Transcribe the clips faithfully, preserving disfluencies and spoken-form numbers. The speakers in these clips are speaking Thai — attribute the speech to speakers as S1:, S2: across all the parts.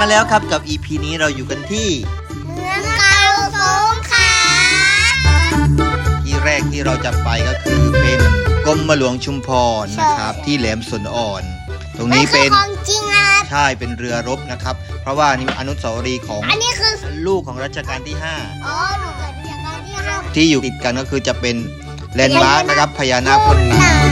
S1: แล้วครับกับ อี พี นี้เราอยู่กันที่
S2: เมืองเก่าสงขลา
S1: ที่แรกที่เราจะไปก็คือเป็นกรมหลวงชุมพรนะครับที่แหลมสนอ่อน ตรงนี้เป็น
S2: ของจริงครับ
S1: ใช่เป็นเรือรบนะครับเพราะว่านี่อนุสาวรีย์ของ
S2: อันนี้คือ
S1: ลูกของรัชกาลที่ห้า
S2: อ๋อลูกรัชกาลที่ห้า
S1: ที่อยู่ติดกันก็คือจะเป็นแลนด์มาร์คนะครับพญานาคพ่นน้ำ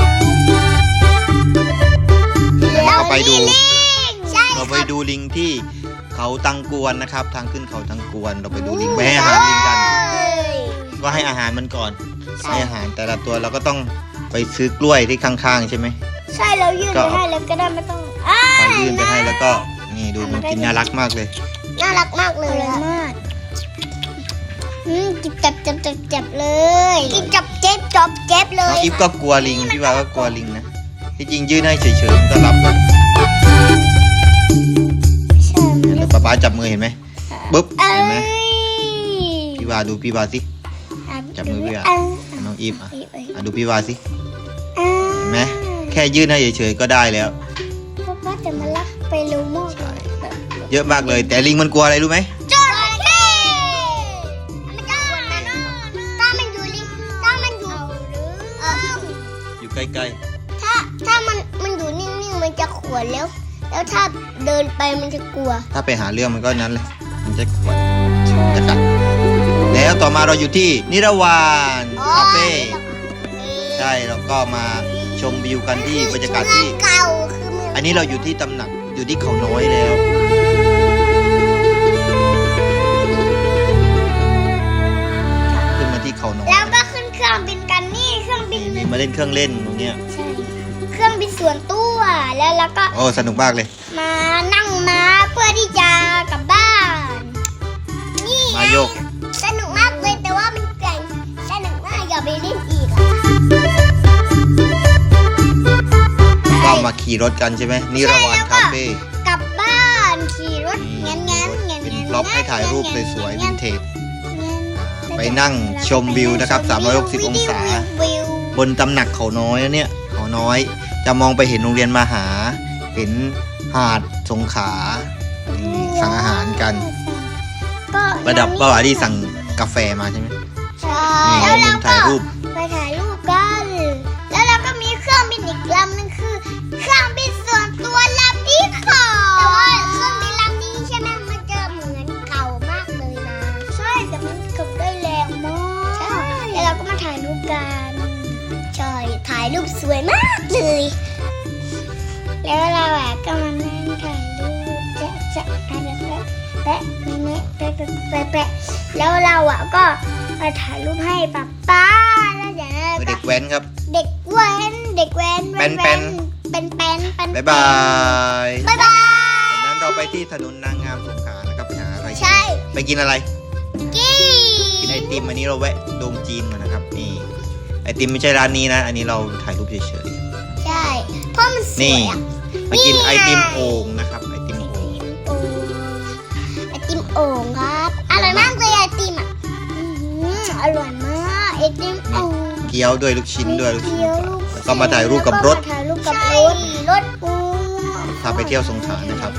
S1: แล้วก็ไปดูเราไปดูลิงที่เขาตังกวนนะครับทางขึ้นเขาตังกวนเราไปดูลิงไปให้อาหารลิงกันก็ให้อาหารมันก่อนให้อาหารแต่ละตัวเราก็ต้องไปซื้อกล้วยที่ข้างๆใช่ไหม
S2: ใช่เรายื่นไปให้แล้วก็ได้ไม่ต้อง
S1: ไปยื่นไปให้แล้วก็นี่ดูมันกินน่ารักมากเลย
S2: น่ารักมากเลยมากอืมกินจับจับจับจับเลย กินจับเจ็บจับเจ็บเลย
S1: น้องอิฟก็กลัวลิงพี่ว่าก็กลัวลิงนะที่จริงยื่นให้เฉยๆก็รับแล้วแล้วป๊าป๊าจับมือเห็นไหมปุ๊บเห็นไหมพี่ว่าดูพี่ว่าสิจับมือพี่ว่าน้องอิฟอ่ะดูพี่ว่าสิเห็นไหมแค่ยื่นให้เฉยๆก็ได้แล้ว
S2: ป๊าป๊าจะมาลักไปรู้มาก
S1: เยอะมากเลยแต่ลิงมันกลัวอะไรรู้ไหม
S2: จระเข้มันจะกลัวนะถ้ามันอยู่ลิงถ้ามันอยู่เออ
S1: อยู่ใกล้
S2: ๆถ้าถ้ามันมันอยู่นิ่งๆมันจะขวนแล้วแล้วถ้าเดินไปมันจะกลัว
S1: ถ้าไปหาเรื่องมันก็นั้นเลยมันจะขวนจะกัดแล้วต่อมาเราอยู่ที่นิรวานคาเฟ่ใช่เราก็มาชมวิวกันที่บรรยากาศที่อันนี้เราอยู่ที่ตำหนักอยู่ที่เขาน้อยแล้วขึ้นมาที่เขาน้อย
S2: แล้วก็ขึ้นเครื่องบินกันนี่เครื่องบิน
S1: มีมาเล่นเครื่องเล่นตรงเนี้ย
S2: ใช่เครื่องบินส่วนตัวแล้วแล้วก็
S1: โอ้สนุกมากเลย
S2: มานั่งม้าเพื่อที่จะกลับบ้านนี่
S1: มาโยก
S2: สนุกมากเลยแต่ว่ามันแกร่งสนุกมากอย่าไปเล่นอีกอ่ะ
S1: ก็มาขี่รถกันใช่ไหมนิรวานคาเฟ่
S2: กลับบ้านขี่รถงั้นงั้นงั้น
S1: เป็นบล็อกให้ถ่ายรูปสวยๆวินเทจไปนั่งชมวิวนะครับสามร้อยหกสิบองศาบนตำหนักเขาน้อยเนี่ยเขาน้อยจะมองไปเห็นโรงเรียนมหาเห็นหาดสงขลาสั่งอาหารกันประดับประวัติที่สั่งกาแฟมาใช่ไหม
S2: ใช่แล้วเราก็ไปถ่ายรูปกันแล้วเราก็มีเครื่องบินอีกลำนึงคือเครื่องบินส่วนตัวลำที่สองแต่ว่าเครื่องบินลำนี้ใช่ไหมมันจะเหมือนเก่ามากเลยนะใช่แต่มันขับได้แรงมากใช่แล้วเราก็มาถ่ายรูปกันใช่ถ่ายรูปสวยมากเลยแล้วเราอะก็มานั่งถ่ายรูปจะจะอะไรแปะแปะแปะแปะแปะแล้วเราอะก็มาถ่ายรูปให้ป๊าป๊าแล้วเดี๋ยว
S1: เด็กแว้นครับ
S2: เด็กแว้นเด็กแว้น
S1: เป็นเป็น
S2: เป็นเป็นเป็น
S1: บ๊ายบาย
S2: บ๊ายบาย
S1: จากนั้นเราไปที่ถนนนางงามสงขลานะครับไปหาอะไร
S2: ใช่
S1: ไปกินอะไร
S2: กิน
S1: กินไอติมอันนี้เราแวะโดมจีนมานะครับนี่ไอติมไม่ใช่ร้านนี้นะอันนี้เราถ่ายรูปเฉย
S2: ๆใช่เพราะมันสวยอ่ะ
S1: ไปกินไอติมโอ่งนะครับไอติมโอ่ง
S2: ไอติมโอ่งครับอร่อยมากเลยไอติมอ่ะอร่อยมากไอติมโอ่ง
S1: เกี๊ยวด้วยลูกชิ้นด้วยลูกชิ้นแล้วก็มาถ่ายรูปกับรถ
S2: ถ่ายรูปกับรถรถ
S1: พาไปเที่ยวสงขลานะครับ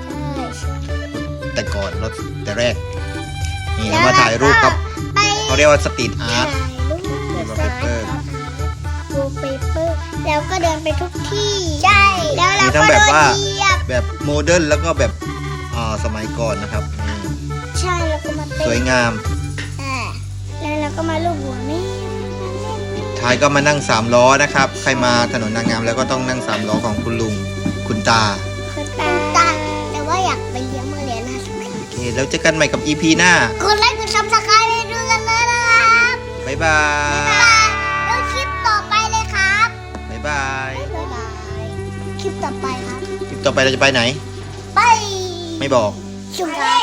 S1: แต่ก่อนรถแต่แรกนี่มาถ่ายรูปครับเขาเรียกว่าสตรีทอาร์ต
S2: วอลเปเปอร์วอลเปเปอร์แล้วก็เดินไปทุกที่ใช่แล้วเราก็
S1: แบบว่าแบบโมเดิร์นแล้วก็แบบอ่าสมัยก่อนนะครับ
S2: ใช่แล้วก็มา
S1: สวยงาม
S2: แล้วเราก็มาลูบหัวแม่
S1: ท้ายก็มานั่งสามล้อนะครับใครมาถนนนางงามแล้วก็ต้องนั่งสามล้อของคุณลุงคุณตา
S2: คุณตาแต่ว่าอยากไปเลี้ยงมาเลี้ยงนะ
S1: โอเคแล้วเจอกันใหม่กับ อี พี หน้าก
S2: ดไลค์กดซับสไครต์ให้ด้วยกันเลยนะครับ
S1: บ๊ายบาย
S2: แล้วคลิปต่อไปเลยครับ
S1: บ๊ายบาย
S2: บ๊ายบายคลิปต่อไปครับ
S1: คลิปต่อไปเราจะไปไหน
S2: ไป
S1: ไม่บอก
S2: สุรา